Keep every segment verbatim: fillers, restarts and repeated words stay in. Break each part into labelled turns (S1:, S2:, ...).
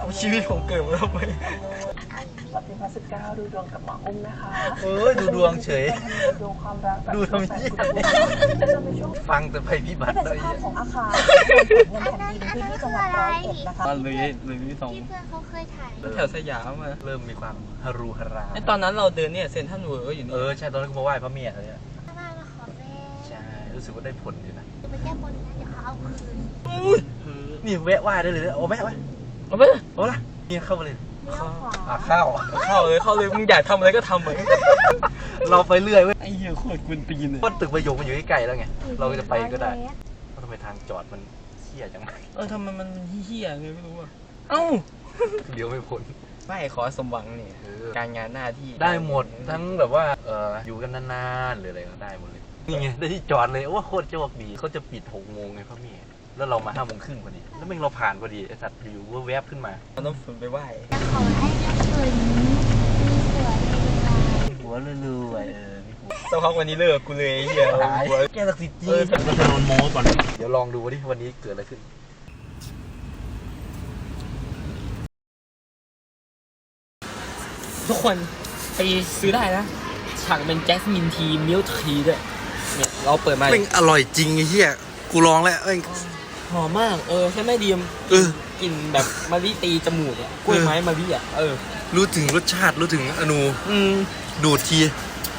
S1: ชีวิตผมเกิดมาทำไม
S2: วันที่สิบเก้าดูดวงกับหมออุ้มนะคะ
S1: เออดูดวงเฉย
S2: ดูความรัก
S1: ดูทำยี่ฟังแต่ภัยพิบัติเลย
S2: เป็นสภาพของอาคารเงินแผ่นดินพื้นที่จังหวัดร้อยเอ็ดนะคะ
S1: เลยเลยนี่สอง
S3: ที่เพื่อนเขาเคยถ่าย
S1: แถวสยามมาเริ่มมีความฮารูฮารา
S4: ตอนนั้นเราเดินเนี่ยเซ็นทรัลเวิลด์อยู่นี่
S1: เออใช่ตอนนั้นก็มาไหว้พระเมียเลย
S3: มามาขอแม่
S1: ใช่รู้สึกว่าได้ผลอยู่นะ
S3: จะไปแก้บนนะเดี๋ยวเขาเอาคืน
S1: นี่แวะไหว้ได้เลยโอ้แม่ไหว้
S4: เอาไป
S1: โอ้ละนี่เข้ามาเลย
S2: เข้า
S1: เข้า
S4: เข้าเลยเข้าเลยมึงอยากทำอะไรก็ทำเลย
S1: เราไปเรื่อยเว้ย
S4: ไอ้เหี้ยโคตรกวนตีนเลย
S1: ก็ตึกประโยคมันอยู่ใกล้ๆแล้วไงเราจะไปก็ได้ว่าทำไมทางจอดมันเหี้ยจัง
S4: เออทำไมมันเหี้ยเลยไม่รู้อ่ะเอ้า
S1: เดี๋ยวไม่พ้น
S4: ไม่ขอสมหวังนี่การงานหน้าที่
S1: ได้หมดทั้งแบบว่าเอออยู่กันนานๆหรืออะไรก็ได้หมดเลยนี่ไงได้ที่จอดเลยโอ้โคตรโชคดีเขาจะปิดหกโมงไงพ่อแม่แล้วเรามาห้าโมงครึ่งพอดีแล้วแม่งเราผ่านพอดีไอสัตว์อยู่ว่าแวบขึ้นมา
S4: เราต้องฝืนไปไหว้
S3: ขอให้เรื่องคืนนี้มี
S1: หัวรวยๆเออ
S4: สักพักวันนี้เลิกกูเลยเหี้ย
S1: แกศักดิ์สิทธิ์จริงเราจะโดนโม้ก่อนเดี๋ยวลองดูว่าที่วันนี้เกิดอะไรขึ้น
S4: ทุกคนไปซื้อได้นะฉากเป็นแจสมินทีมิลทีด้วยเนี่ยเราเปิดมา
S1: เป็นอร่อยจริงไอ้เหี้ยกูลองแล้วเอ้ย
S4: หอมมากเออใช่ไหมดีม
S1: เออ
S4: กินแบบมะลิตีจมูกอ่ะกล้วยไม้มะลิอ่ะเออ
S1: รู้ถึงรสชาติรู้ถึงอนู
S4: อืม
S1: ดูดที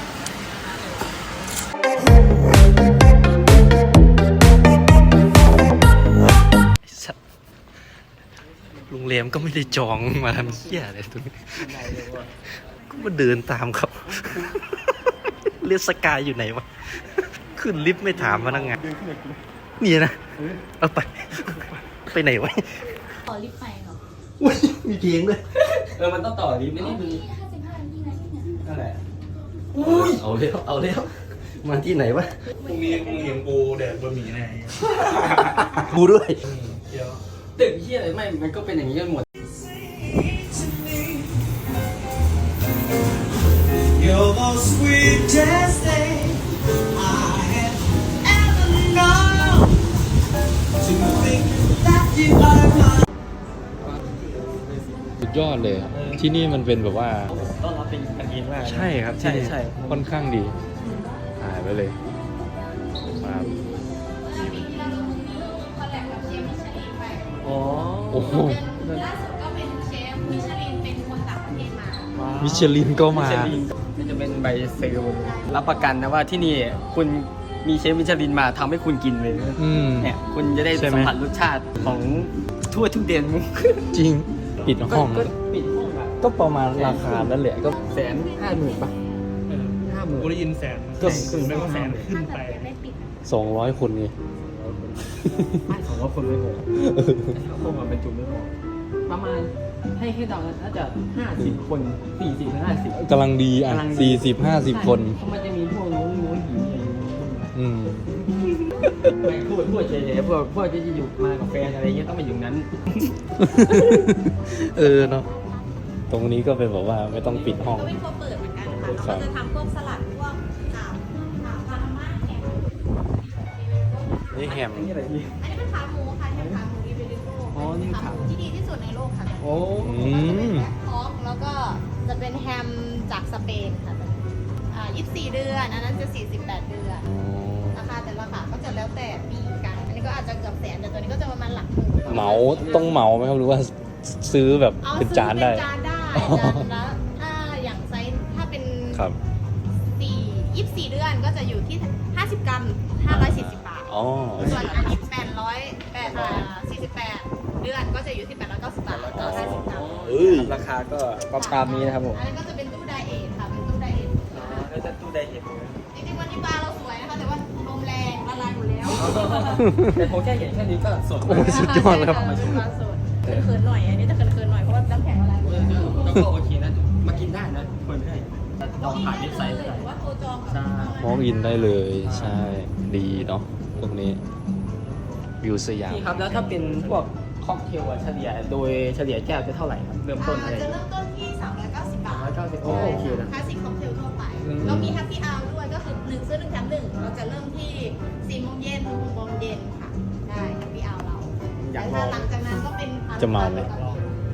S1: โรงแรมก็ไม่ได้จองมาทำเหี้ยอะไรตัวนี้ก็มาเดินตามเขาเรียกสกายอยู่ไหนวะขึ้นลิฟต์ไม่ถามพนักงานนี่นะเอาไปไปไหนวะ
S3: ต่อลิฟต์ไปเหรอ
S1: อุ้ยมีเพลงด้วย
S4: เออมันต้องต่อลิฟต์ไม่ได้ดู
S3: ห้าสิบห้านาทีนะที่เนี่ย
S4: นั่นแหละ
S1: อุ้ยเอาแล้วเอาแล้วมาที่ไหนวะ
S4: พรุ่งนี้มึงเลี้ยงกูแดดบะหมี่ไง
S1: กูด้วย
S4: เดี๋ยวตึกที่อะไรไม่มันก็เป็นอย่างนี้กันหมด
S5: You're the sweetest thing I have ever known. To think that you are mine.
S6: สุดยอดเลยที่นี่มันเป็นแบบว่า
S4: ต้อนรับเป็นกันเองมาก
S6: ใช่ครับที่นี่ค่อนข้างดีถ่ายไปเลยมา
S4: อ๋อ
S6: โอ้โห
S3: ล่าสุดก็เป็นเชฟมิชลินเป็นคนต่างประเทศมา
S6: มิชลินก็มา
S4: มันจะเป็นใบเซลล์รับประกันนะว่าที่นี่คุณมีเชฟมิชลินมาทำให้คุณกินเลยเนี่ยคุณจะได้สัมผัสรสชาติของทั่วทุกเดือนมุก
S6: จริงปิดห้อง
S4: ก็ปิดห้องอะ
S6: ก็ประมาณราคานั่นแหละก็
S4: แสนห้าหมื่นป่ะห้าหมื่น
S7: กูได้ยินแสนก็คือไม่ว่าแสนขึ้นไป
S6: สองร้อยคนไง
S4: ไม่สองร้อยคนไม่พอถ้าพวกมันเป็นจุ่มไม่พอประมาณให้ให้เดาน่าจะห้าสิบคนสี่สิบถึงห้าสิบ
S6: กำลังดีอ่ะสี่สิบห้าสิบคน
S4: มันจะมีพวกนู้นนู้นหิวอะไรอย่างเงี้ย
S6: อืม
S4: ไม่พูดพูดเฉยๆพวกพวกที่จะอยู่มากับแฟนอะไรเงี้ยต้องมาอยู่นั้น
S6: เออเนาะตรงนี้ก็เป็นแบบว่าไม่ต้องปิดห้อง
S3: ก็เป็นพวกเปิดเหมือนกันค่ะเราจะทำพวกสลัดพวกอ่าอ่าพานาม่าแฮม
S6: นี่แฮม
S4: อันนี้อะไรดี
S3: อันนี้เป็นขาหมูค่ะแฮมขาหมูอิเบริโก้
S4: อ๋อนี่
S3: ขาหมูที่ดีที่สุดในโลกค่ะ
S4: โอ้
S6: อืม
S3: พอกแล้วก็จะเป็นแฮมจากสเปนค่ะอ่ายี่สิบสี่เดือนอันนั้นจะสี่สิบแปดเดือนราคาแต่ละขาก็จะแล้วแต่ปีกันอันนี้ก็อาจจะเกือบแสนแต่ตัวนี้ก็จะประมาณหลักหมื่น
S6: เหมาต้องเหมาไหมครับหรือว่าซื้อแบบเป็นจานได้
S3: จานได้จานละถ้าอย่างไซส์ถ้าเป็น
S6: ครับ
S3: สี่ยี่สิบสี่เดือนก็จะอยู่ที่ห้าสิบกรัมห้าร้อยสี่สิบบาท
S6: อ๋อ
S3: ส่วนอันนี้แปดร้อยแปดอ่าสี่สิบแปดเดือนก็จะอยู่ที่แปดร้อยเก้าสิบบาทต่อห้าสิบกรัม
S4: ราคาก็ประมาณนี้นะครับผม
S3: อันนี้ก็จะเป็นตู้ไดเอทค่ะเป็นตู้ไดเอท
S4: ก็จะตู้ไดเอท
S3: จริงๆวันนี้ปลาเราสวยนะคะแต่ว่าลมแรงละลายหมดแล้ว
S4: แต่ผมแค่เห็นแค่นี้ก็สด
S6: โอ้สุดยอดแล้ว
S3: มาชิมปลาสดเขินๆหน่อยอันนี้จะเขินๆหน่อยเพราะว่าน้ำแข็งละลายหมดแล้ว
S4: แล้วก็โอเคนะมากินได้นะคนไม่ได้ลองผ่านเว็บไซต์ได้
S3: ว่าโทรจอง
S4: ใช่
S6: มองอินได้เลยใช่ดีเนาะตรงนี้วิวสยาม
S4: ครับแล้วถ้าเป็นพวกค็อกเทลเฉลี่ยโดยเฉลี่ยแก้วจะเท่าไหร่ครับเริ่มต้นอะไร
S3: จะเริ่มต้นที่สามร้อยเก้าสิบบาท
S4: สามร้อยเก้าสิบโอเคนะ
S3: คลาสสิกค็อกเทลทั่วไปเรามีแฮปปี้อาวด้วยก็คือหนึ่งซื้อหนึ่งแถมหนึ่งเราจะเริ่มที่สี่โมงเย็นถึงหกโมงเย็นค่ะได้แฮปปี้อาวเราแต่ถ้าหลังจากนั้นก็เป็น
S6: จะเมาเลย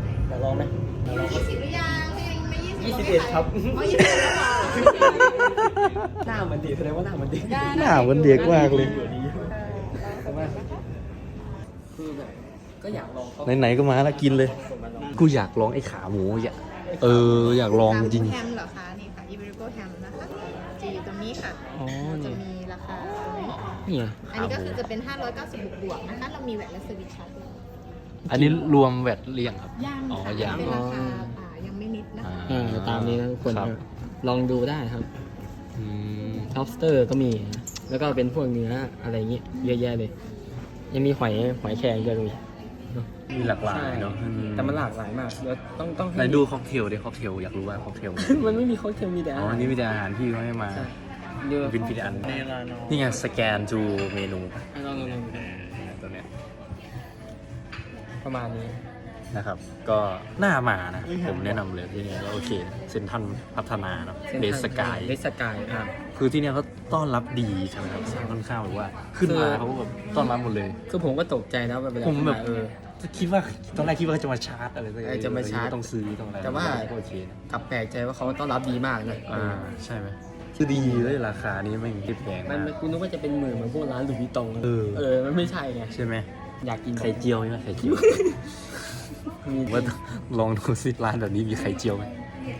S4: ลองไหม
S3: ยี่สิบหรือยังถ้ายังไม่ยี่สิบ
S4: ยี่สิบเอ็ดครับ
S3: อ๋อยี่สิบเอ็ดแล้วเหรอ
S4: หน้ามันดีแสดงว่าหน้ามันดี
S1: หน้ามันเด็กมากเลย
S4: ใช่ไหมคือแบบก็อยากลองเขา
S1: ไหนๆก็มาแล้วกินเลย กูอยากลองไอ้ขาหมูอ่ะเอออยากลองจริง
S3: แฮมเหรอคะนี่ค่ะอิเบริโกแฮมนะคะจะอยู่ตรงนี้ค่ะ
S4: อ๋อ
S3: จะ
S4: นี่
S3: มีราคาตรงนี้
S4: นี่ไง
S3: อันนี้ก็คือจะเป็น ห้าร้อยเก้าสิบบวกๆนะคะ เรามีแวตและเซอร์วิสชาร์จด้วย
S1: อันนี้รวมแวดเรียงครับ
S3: ย่าง
S1: อ๋อ
S3: ค่ะ
S1: ย่าง
S3: เป็นราคาอ่ายังไม่นิดนะคะ
S4: เออตามนี้นะทุกคน
S1: ครับ
S4: ลองดูได้ครับ
S1: อืม
S4: lobster ก็มี แล้วก็เป็นพวกเนื้ออะไรอย่างเงี้ยเยอะแยะเลย ยังมีหอยหอยแครงด้วยตรงนี้
S1: มีหลากหลายเนาะ
S4: แต่มันหลากหลายมากเดี๋ยวต้องต้อง
S1: ไหนดูค็อกเทลดิค็อกเทลอยากรู้ว่าค็อกเทล
S4: มันไม่มีเขาเทียมมีแต่
S1: อ๋ออันนี้มีแต่อาหารที่เขาให้มา
S4: ใช่เดี๋ยว
S1: เป็นพิธีอัน
S7: เนลานอ
S1: นี่ไงสแกนจูเมนู
S4: ลองลองลอง
S1: ตัวเนี้ย
S4: ประมาณนี้
S1: นะครับ ก็น่ามานะ ผมแนะนำเลยที่นี่ก็โอเคเซนทันพัฒนาเนาะเดสกาย
S4: เดสกายอ่ะ
S1: คือที่เนี่ยเขาต้อนรับดีใช่ไหมครับค่อนข้างแบบว่า ขึ้นมาเขาก็แบบต้อนรับหมดเลย
S4: คือผมก็ตกใจนะว่าเวลา
S1: ผมแบบ
S4: เออ
S1: คิดว่าตอนแรกคิดว่าจะมาชาร์จอะไรสักอย่ง
S4: เออจะมาชาร์จ
S1: ต้องซื้อต้องอะไร
S4: แต่ว่า
S1: ก็โอเคนะ
S4: กลับแปลกใจว่าเขาต้อนรับดีมากนะ
S1: อ่าใช่ไหมคือดีเลยราคานี้ไม่คิดแพง
S4: มัน
S1: นะ
S4: มันกูนึกว่าจะเป็นหมื่นเหมือนพวกร้านหลุยส์วิตตอง
S1: เออ
S4: เออมันไม่ใช่ไง
S1: ใช่ไหม
S4: อยากกิน
S1: ไข่เจียวใช่ไหมไข่เจียว
S4: มี
S1: ว่าลองดูสิร้านแบบนี้มีไข่เจียวไหม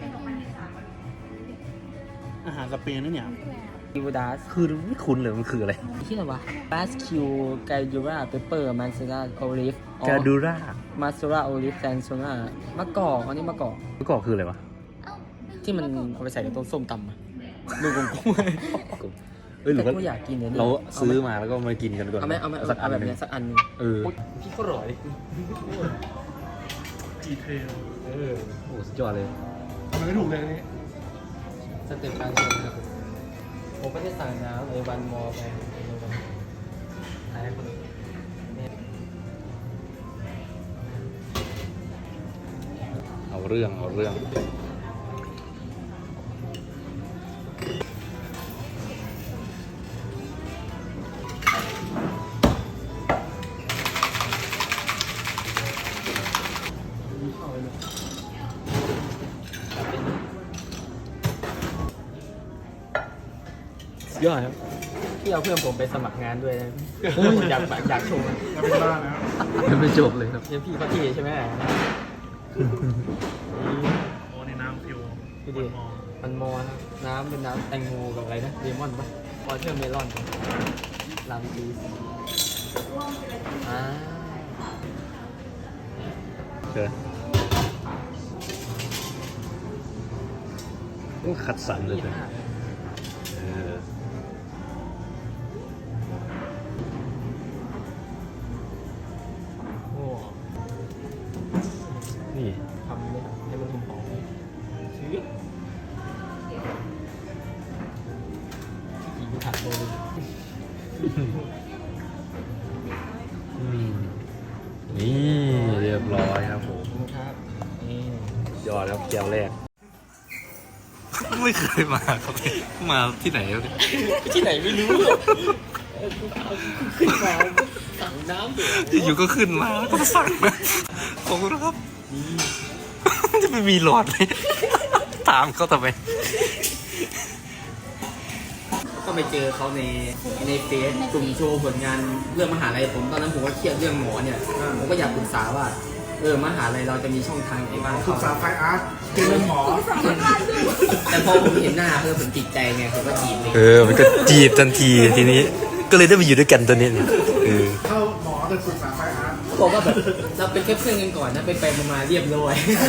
S7: อาหารสเปนนั่นเนี่ย
S4: กิวดาส
S1: คือไม่คุ้นเลยมันคืออะไร
S4: ที่ไหนวะบาสคิวไกดูราเปเปอร์มันซาราโอลิฟ
S1: กาดูร่า
S4: มาซาราโอลิฟแซนโซนามะกอกอันนี้มะกอก
S1: เมื่อก่อนคืออะไรวะ
S4: ที่มันเอาไปใส่ในต้นส้มตำอะดูกงกุ้ง
S1: เอ้ยหรือ
S4: แต่
S1: ว่า
S4: กูอยากกินเนี่ย
S1: เราซื้อมาแล้วก็มากินกันก่อน
S4: เอาไหมเอาไหม
S1: สักอั
S4: เอา
S1: น
S4: แบบ
S1: หนึง
S4: เนี้ยสักอันหนึง
S1: เออ
S4: พี่ก็ร่อย
S7: ดีเทล
S4: เออ
S1: โอ้สุดยอดเลย
S7: มันไม่ถูกเลยนี่
S4: สเต็ปการเชิญครับผมไม่ได้สั่งน้ำเลยวันมอไปขายให้คนอื่น
S1: เอาเรื่องเอาเรื่อง
S4: ยอดครับพี่เอาเพื่อนผมไปสมัครงานด้วยนะอยากอยากชมอะ
S7: จะเป็นบ้าแล้ว
S1: ยังไม่จบเลยครับ
S4: เดี๋ยวพี่เขาที่ใช่ไหม
S7: โอ้ในน้ำฟิว
S4: พี่ดิมันมอนะน้ำเป็นน้ำแตงโมกับอะไรนะเลมอนปะวอเทอร์เมลอนลำดีอ่า
S1: เชิญโอ้ขัดสันเลยเลยเออ
S4: โอ้
S1: นี่
S4: ทำเลยให้มันหอมๆชื้อกี่ถัดเลย
S1: อืมนี่เรียบร้อยครับผม
S4: ครับนี่
S1: ยอดครับแก้วแรก ไม่เคยมาครับมาที่ไหนครับ
S4: ที่ไหนไม่รู้ขึ้นมาสั่งน้ำเดือด
S1: อยู่ก็ขึ้นมาแล้วก็มาสั่งนะขอบคุณครับจะไม่มีหลอดเลย ถามเขาทำไม
S4: ก็ไปเจอเขาในในเฟซกลุ่มโชว์ผลงานเรื่องมหาลัยผมตอนนั้นผมก็เครียดเรื่องหมอเนี่ยผมก็อยากปรึกษาว่าเออมหาลัยเราจะมีช่องทางไหนบ้าง
S7: ศึกษาไฟอาร์ตเป็นเรื่องหมอ
S4: แต่พอผมเห็นหน้าเออผมติดใจไงผมก็จีบเลย
S1: เออ มันก็จีบทันทีทีนี้ ก็เลยได้มาอยู่ด้วยกันตัวนี้เนี่ยเออ
S7: เข้าหมอแต่ศึกษาไฟอาร์ต
S4: เขาบอกว่าแบบเราเป็นแค่เพื่อนกันก่อนนะไปไปๆมาๆเรียบร้อย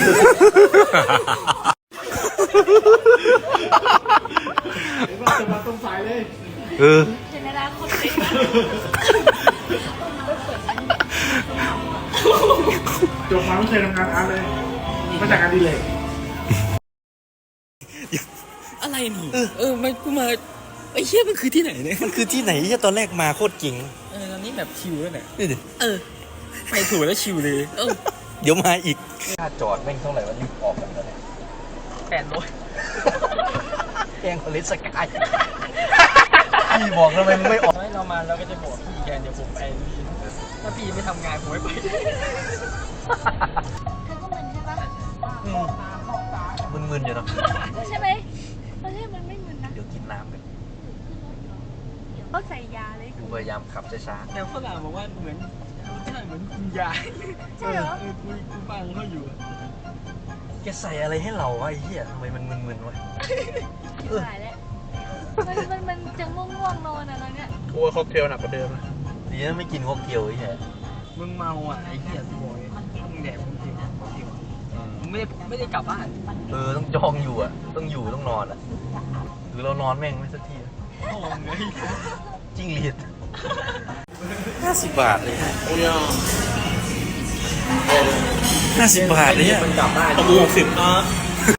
S7: เดี๋ยวเราจะมาตรงสายเลย
S1: เออ
S7: จบมาไม่เคยทำงานอาร์ตเลยมาจากการดีเลย
S4: อะไรนี่เออมันกูมาไอ้เชี่ยมันคือที่ไหนเนี่ย
S1: มันคือที่ไหนที่ตอนแรกมาโคตรจริง
S4: เออตอนนี้แบบชิลแล้วเนี่ย
S1: นี่ดิ
S4: เออไปถูกแล้วชิลเลยเออ
S1: เดี๋ยวมาอีกค่าจอดแม่งเท่าไหร่วะรีบออกกันเลย
S4: แปดร้อย
S1: แกงคอเลสกายพี่บอกทำไมมึงไม่ออก
S4: ให้เรามาเราก็จะบอกพี่แกนเดี๋ยวผมไปนี่ถ้าพี่ไม่ทำงานผมไม่ไป
S3: เธอก็มึนใช่ปะ
S1: มึนๆอยู่เนาะ
S2: ใช่ไหมตอนแรกมันไม่มึนนะ
S1: เดี๋ยวกินน้ำกัน
S2: ก็ใส่ยาเลย
S1: กูพยายามขับช้า
S4: แต่ฝรั่งบอกว่าเหมือนรสชาติเหมือนคุณยาย
S2: ใช่เหรอ
S4: เออคุยคุยฟังเขาอยู่อะ
S1: ๆแกใส่อะไรให้เราวะไอ้เหี้ยทำไมมันมึนๆวะ
S2: หายแล้วมันมันมันจะง่วงๆนอนอะตอนเนี้ย
S7: กลัวค็อกเทลหนักกว่าเดิมนะ
S1: ดีนะไม่กินค็อกเทลไอ้เหี้ย
S4: มึงเมาอ่ะไอ้เหี้ยกูบอกเลยมึงแดกมึงกินมึงกินมึงไม่ได้ไม่ได้กลับบ้าน
S1: เออต้องจองอยู่อ่ะ ต้องอยู่ต้องนอนอ่ะ หรือเรานอนแม่งไม่สักทีอะ
S4: โอ้โหไง
S1: จิ้งหรีดห้าสิบบาทเลยฮะห้าสิบบาทเลยฮะ
S4: มันกลับบ้าน
S7: หกสิบ